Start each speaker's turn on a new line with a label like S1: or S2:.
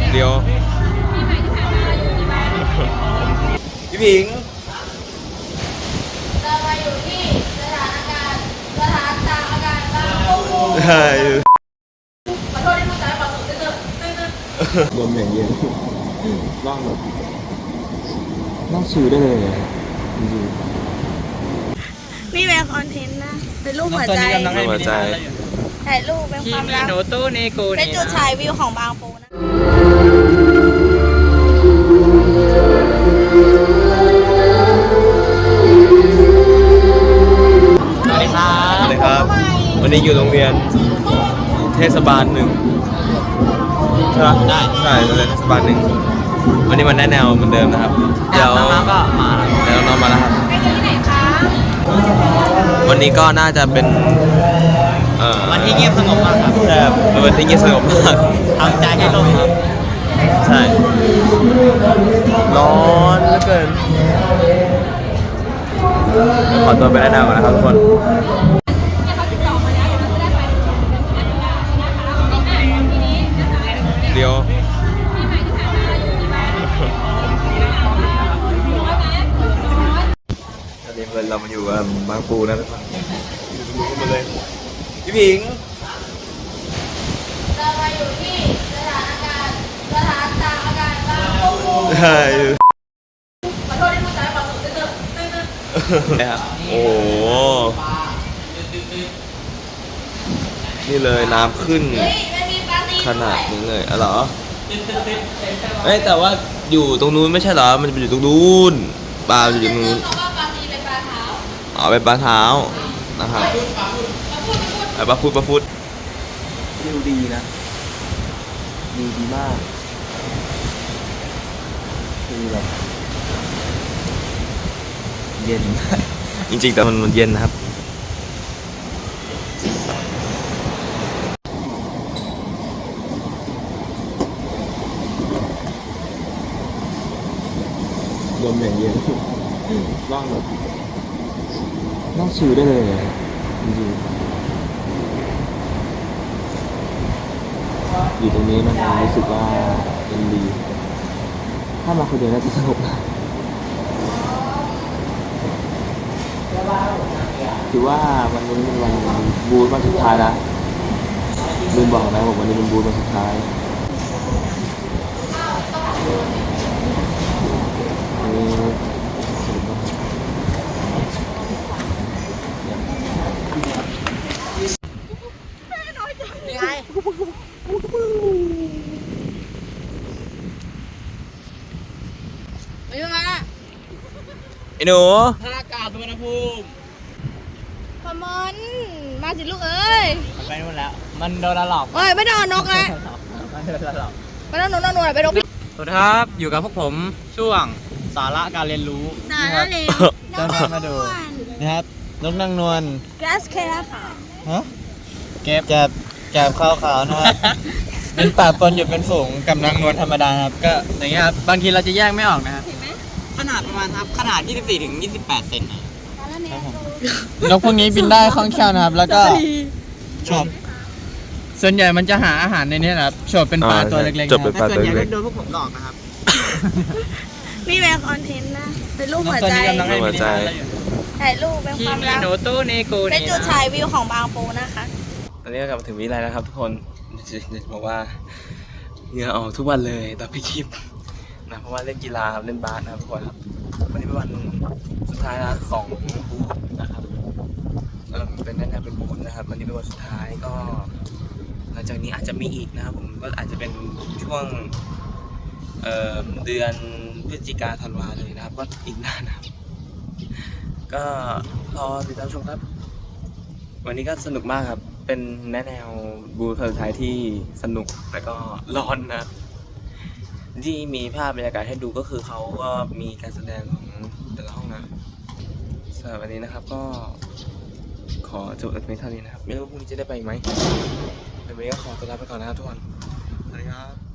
S1: เดี๋ยวพี่ผิง
S2: เรามาอยู่ที่สถานตากอากาศบางปู
S1: ใช่
S2: ขอโทษที่พูดจาแบบสุดๆ
S3: ลมอย่างเย็นนั่งแบบนั่งชิลได้เลยจริง
S2: นี่เป็นคอนเทนต์นะเป็นรูปหัวใจถ่ายรูปเป็นความรักเป็นจุดชายวิวของบางปูนะ
S1: สวัสดีครับวันนี้อยู่โรงเรียนเทศบาล1ใช่ไหมใช่โรงเรียนเทศบาล1วันนี้มันได้แนวเหมือนเดิมนะครับเดี๋ยวน้องๆก็มาแล้วน้องๆมาแล้วครับ
S2: ไปกันที่ไหนคะ
S1: วันนี้ก็น่าจะเป็น
S4: วันที่เงียบสงบมากครับ
S1: ใช่เป็นวันที่เงียบสงบมาก
S4: ทำใจให้ลงครับ
S1: ใช่ร้อนเหลือเกินขอตัวไปได้แนวก่อนนะครับทุกคนเดี๋ยวตอนนี้เรามาอยู่กับบางปูนะทุกคนมาเลยพี่ผิง
S2: เรามาอยู่ที่สถานตากอากาศบางปู
S1: ใช่
S2: ขอโทษที่พูดจาแบบสุดๆ
S1: นะครับโอ้โหนี่เลยน้ำขึ้นขนาดนี้เลยอ๋อเหรอเอ้ยแต่ว่าอยู่ตรงนู้นไม่ใช่เหรอมันจะไปอยู่ตรงนู้นปลาอยู่ตรงนู้นอ๋อเป็นปลาเท้านะครับปลาฟุด
S3: วิวดีนะวิวดีมากคือแบบเย็น
S1: จริงๆแต่มันเย็นนะครับ
S3: ลมอย่างเย็นนั่งแบบนั่งชิลได้เลยจริงๆอยู่ตรงนี้มันรู้สึกว่าเป็นดีถ้ามาคนเดียวน่าจะสนุกนะถือว่าวันนี้เป็นวันบูธวันสุดท้ายนะลืมบอกนะผมวันนี้เป็นบูธวันสุดท้ายสนุกมาก
S2: ไม่มา
S1: ไอ้หนู
S4: ท่าอากาศสุวรรณภูมิ
S2: พมอนมาสิลูกเอ้ย
S4: มันไปนู่นแล้วมันโดนหลอก
S2: เอ้ยไม่โดนนกแล้ว
S4: มันโดนหลอก
S2: ไม่โดนนกไปนกพี่
S4: สวัสดีครับอยู่กับพวกผมช่วงสาระการเรียนรู้
S2: สาระเร็ว
S4: จะมาดูนะครับนกนางนวล
S2: แกสเคล่าค่ะ
S4: ฮะแกบขาวๆนะครับเป็นป่าปนอยู่เป็นฝูงกับนางนวลธรรมดาครับก็อย่างเงี้ยครับบางทีเราจะแยกไม่ออกนะครับขนาดประมาณครับขนาด24 ถึง 28 เซนนะครับนกพวกนี้บินได้คล่องแคล่วนะครับแล้วก็ชอบส่วนใหญ่มันจะหาอาหารในนี้นะครับชอบเป็นปลาตัวเล็กๆนะครับแต่ส่วนใหญ่ก็โดนพวกผมหลอกนะครับ
S2: นี่เป็นคอนเทนต์นะเป็นรูปหัวใจถ่ายรูปเป็นความรักเป็นจุดชายวิวของบางปูนะคะ
S1: ตอนนี้ก็กลับมาถึงวิไลแล้วครับทุกคนจะบอกว่าเหงื่อออกทุกวันเลยตอนพี่คลิปนะเพราะว่าเล่นกีฬาครับเล่นบาสนะครับทุกคนครับวันนี้เป็นวันสุดท้ายนะของบูธนะครับเป็นแน่ๆเป็นบูธนะครับวันนี้เป็นวันสุดท้ายก็หลังจากนี้อาจจะมีอีกนะครับผมก็อาจจะเป็นช่วงเดือนพฤศจิกาธันวาเลยนะครับก็อีกนานนะครับก็รอติดตามชมครับวันนี้ก็สนุกมากครับเป็นแนวบูธสุดท้ายที่สนุกแต่ก็ร้อนนะที่มีภาพบรรยากาศให้ดูก็คือเขาก็มีการแสดงของแต่ละห้องนะสำหรับวันนี้นะครับก็ขอจบแต่เพียงเท่านี้นะครับไม่รู้พรุ่งนี้จะได้ไปไหมแต่วันนี้ก็ขอตัวลาไปก่อนนะครับทุกคนสวัสดีครับ